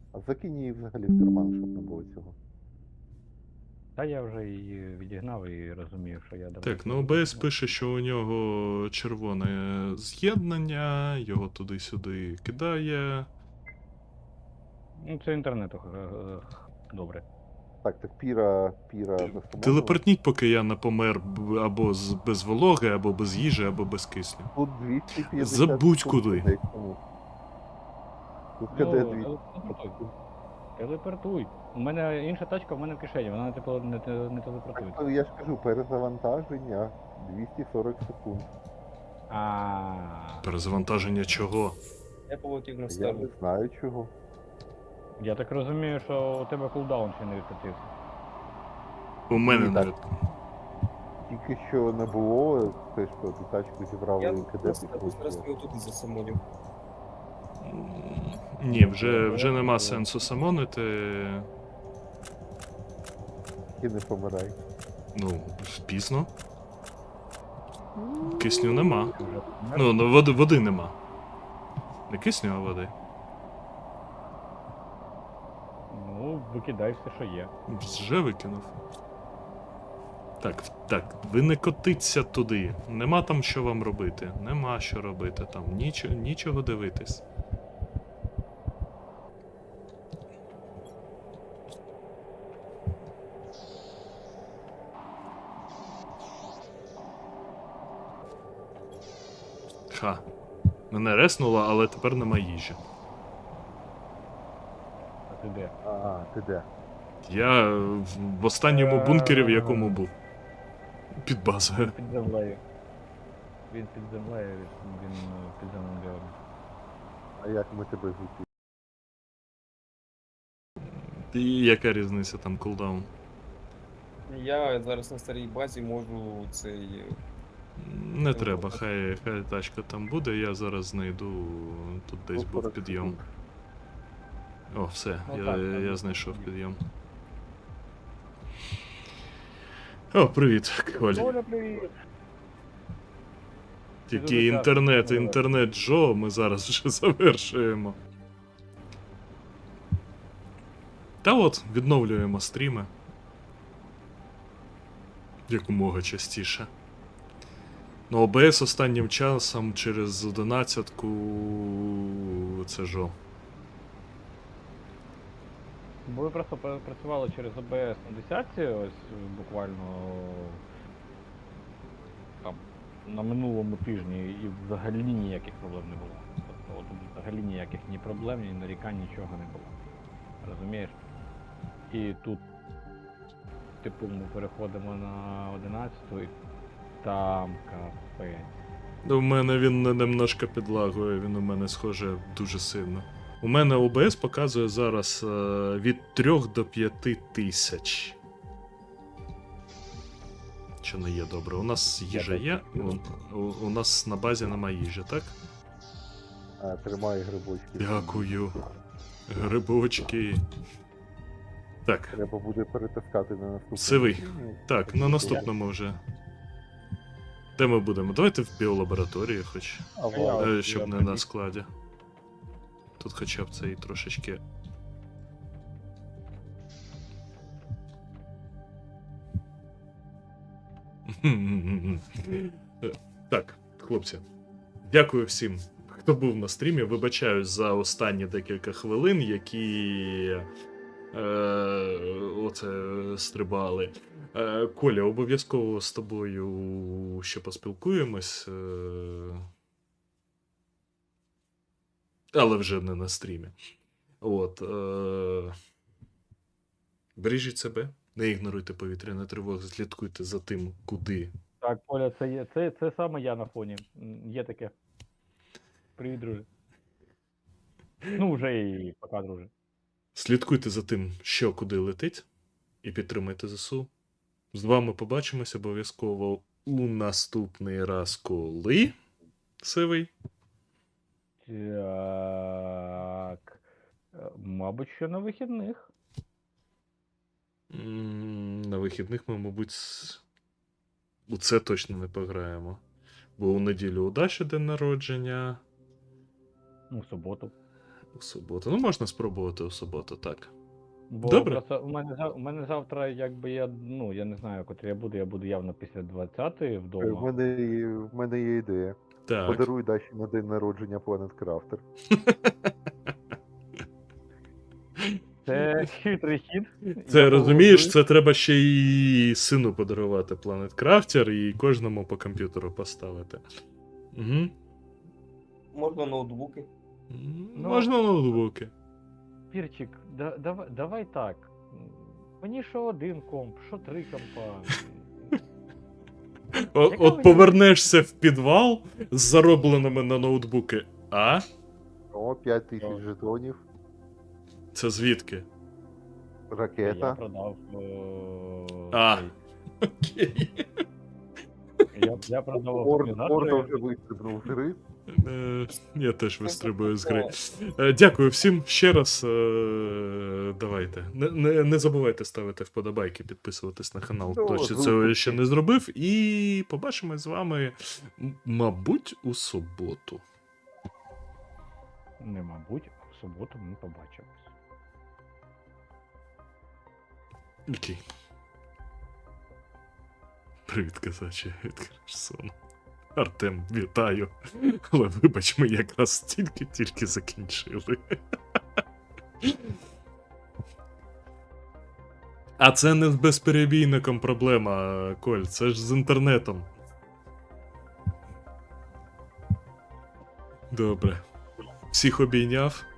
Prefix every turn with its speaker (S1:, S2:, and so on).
S1: А закинь її взагалі в карман, щоб не було цього.
S2: Та я вже її відігнав і розумію, що я давно
S3: Так, ну
S2: цього
S3: ОБС
S2: викинув.
S3: пише, що у нього червоне з'єднання, його туди-сюди кидає.
S2: Ну, це інтернету добре.
S1: Так, Піра засумовувала.
S3: Телепортніть, поки я не помер або без вологи, або без їжі, або без кисню.
S1: Тут 250
S3: Забудь
S1: секунд
S3: куди.
S1: людей тому. Тут
S2: Ну,
S1: КД 200
S2: телепортуй. Телепортуй. У мене інша тачка, в мене в кишені, вона не телепортує.
S1: Так, я ж кажу, перезавантаження 240 секунд.
S3: Перезавантаження чого?
S4: Я полетів на
S1: Я не
S4: сторону.
S1: знаю чого.
S2: Я так розумію, що у тебе кулдаун ще не відкатився.
S3: У мене
S1: Ні,
S3: не
S1: так. Тільки що не було, те, що ту тачку зібрали
S4: Я
S1: і КД
S4: зараз
S1: підкрутили.
S4: його тут засамоню.
S3: Ні, вже нема сенсу самонити.
S1: І не помирай.
S3: Ну, пізно. Кисню нема.
S2: Ти вже помер?
S3: Ну, води нема. Не кисню, а води.
S2: Ну, викидай все, що є.
S3: Вже викинув. Так, ви не котиться туди. Нема там що вам робити. Нема що робити там. Нічого дивитись. Ха. Мене реснуло, але тепер нема їжі.
S2: А ти де?
S1: Ти де?
S3: Я в останньому бункері, в якому був. Під базою.
S2: Під землею. Він під землею, він в підземному біомі.
S1: А як ми тебе звідти?
S3: І яка різниця там кулдаун?
S4: Я зараз на старій базі можу цей.
S3: Не треба, хай тачка там буде, я зараз знайду. Тут десь був
S1: 40
S3: підйом.
S1: секунд.
S3: О, все,
S2: Ну,
S3: я знайшов підйом. О, привіт, Коль.
S2: Оля, привіт!
S3: Тільки
S2: дуже
S3: інтернет Джо, ми зараз вже завершуємо. Та от, відновлюємо стріми. Якомога частіше. Ну, ОБС останнім часом через 11-ку це жо.
S2: Бо ви просто працювали через ОБС на 10-ці, ось буквально там на минулому тижні і взагалі ніяких проблем не було. Тобто от взагалі ніяких ні проблем, ні нарікань, нічого не було. Розумієш? І тут, типу, ми переходимо на 11-ту і там капець.
S3: У мене він немножко підлагує, він у мене схоже дуже сильно. У мене ОБС показує зараз від 3 до 5 тисяч. Що не є добре. У нас їжа є, у нас на базі немає їжі, так?
S1: Тримай грибочки.
S3: Дякую. Грибочки. Так,
S1: Треба буде перетискати на наступному.
S3: Сивий.
S1: стрімі.
S3: так, на наступному вже. Де ми будемо? Давайте в біолабораторії хоч.
S1: А, вау.
S3: Щоб не на складі. Тут хоча б це і трошечки. Так, хлопці. Дякую всім, хто був на стрімі. Вибачаюсь за останні декілька хвилин, які оце стрибали. Коля, обов'язково з тобою ще поспілкуємось. Але вже не на стрімі. От. Бережіть себе, не ігноруйте повітряні тривоги, слідкуйте за тим, куди.
S2: Так, Оля, це саме я на фоні. Є таке. Привіт, друже. Ну, вже і пока, друже.
S3: Слідкуйте за тим, що куди летить, і підтримайте ЗСУ. З вами побачимося обов'язково у наступний раз, коли. Сивий.
S2: Так. Мабуть, що на вихідних.
S3: На вихідних ми, мабуть, у це точно не пограємо. Бо у неділю у Даші день народження.
S2: Ну, в суботу.
S3: У суботу. Ну, можна спробувати у суботу, так.
S2: Бо
S3: Добре.
S2: просто у мене завтра, якби я не знаю, котрі я буду явно після 20-ї
S1: В
S2: вдома.
S1: мене є ідея.
S3: Так.
S1: Подаруй Даші на день народження Planet Crafter.
S2: Це хитрий хід.
S3: Це
S2: Я
S3: розумієш,
S2: погоджуюсь.
S3: це треба ще й сину подарувати Planet Crafter і кожному по комп'ютеру поставити. Угу.
S4: Можна ноутбуки.
S3: Можна ноутбуки.
S2: Пірчик, давай так. Мені що один комп, що 3 компа. Яка
S3: От
S2: мені-
S3: повернешся в підвал з заробленими на ноутбуки. А?
S1: О, 5000 жетонів,
S3: Це звідки?
S2: Я
S1: ракета.
S2: продав.
S3: А.
S2: цей.
S3: Окей.
S2: Я продав
S1: Орда
S2: оптимізатори.
S1: вже вистрибнув з гри.
S3: Я теж вистрибую з гри. Дякую всім ще раз. Давайте. Не забувайте ставити вподобайки, підписуватись на канал,
S1: Ну,
S3: хто ще
S1: звук
S3: цього
S1: такий.
S3: ще не зробив. І побачимось з вами, мабуть, у суботу.
S2: Не мабуть, а в суботу ми побачимось.
S3: Окей. Привіт, казаче, від Херсону. Артем, вітаю. Але вибач, ми якраз тільки закінчили. А це не з безперебійником проблема, Коль, це ж з інтернетом. Добре. Всіх обійняв.